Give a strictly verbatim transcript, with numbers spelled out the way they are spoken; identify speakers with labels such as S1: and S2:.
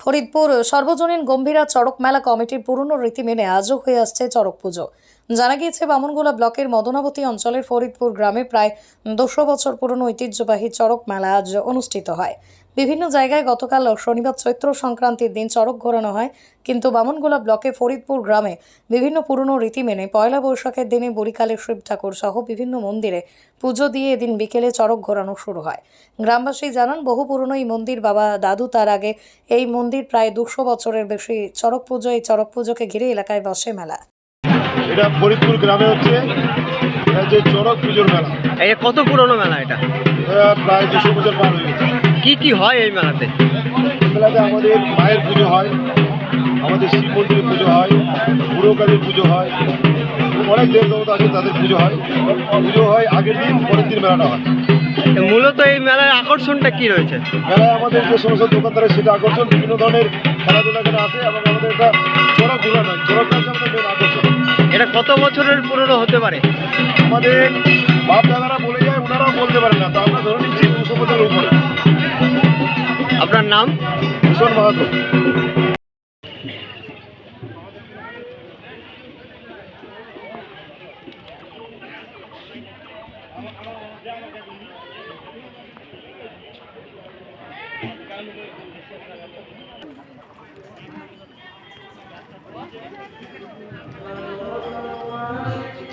S1: ফরিদপুর সর্বজনীন গম্ভীরা চড়ক মেলা কমিটির পুরনো রীতি মেনে আজও হয়ে আসছে চড়ক পুজো। জানা গিয়েছে, বামনগোলা ব্লকের মদনাবতী অঞ্চলের ফরিদপুর গ্রামে প্রায় দুশো বছর পুরনো ঐতিহ্যবাহী চড়ক মেলা আজ অনুষ্ঠিত হয়। বিভিন্ন জায়গায় গতকাল শনিবার চৈত্র সংক্রান্তির দিন চড়ক ঘোরানো হয়, কিন্তু বামনগোলা ব্লকে ফরিদপুর গ্রামে বিভিন্ন পুরনো রীতি মেনে পয়লা বৈশাখের দিনে বরিকালের শিব ঠাকুর সহ বিভিন্ন মন্দিরে পুজো দিয়ে এদিন বিকেলে চড়ক ঘোরানো শুরু হয়। গ্রামবাসী জানান, বহু পুরনো এই মন্দির, বাবা দাদু তার আগে এই মন্দির প্রায় দুশো বছরের বেশি চড়ক পুজো। এই চড়ক পুজোকে ঘিরে এলাকায় বসে মেলা।
S2: এটা ফরিদপুর গ্রামে হচ্ছে যে চড়ক পুজোর মেলা।
S3: এই কত পুরনো মেলা এটা?
S2: এটা প্রায় দুশো বছর পার হয়ে গেছে।
S3: কি কি হয় এই মেলাতে?
S2: এই মেলাতে আমাদের মায়ের পুজো হয়, আমাদের শিব মন্দিরের পুজো হয়, বুড়ো কালীর পুজো হয়, অনেক দেব দেবতা আছে তাদের পুজো হয়। পুজো হয় আগের দিন, পরের দিন মেলাটা হয়।
S3: মূলত এই মেলার আকর্ষণটা কি রয়েছে?
S2: মেলায় আমাদের যে সমস্ত দোকানদার সেটা আকর্ষণ, বিভিন্ন ধরনের খেলাধুলা করে আসে এবং আমাদের এটা চড়ক ঘোরা নয়, চড়ক হচ্ছে আমাদের মেন আকর্ষণ।
S3: এটা কত বছরের পুরনো হতে পারে?
S2: আমাদের বাপ দাদারা বলে যায়, ওনারাও বলতে পারেন না, তো আমরা ধরে নিচ্ছি দুশো বছরের উপরে।
S3: আপনার নাম?
S2: ভূষণ মাহাতো।
S4: Thank you.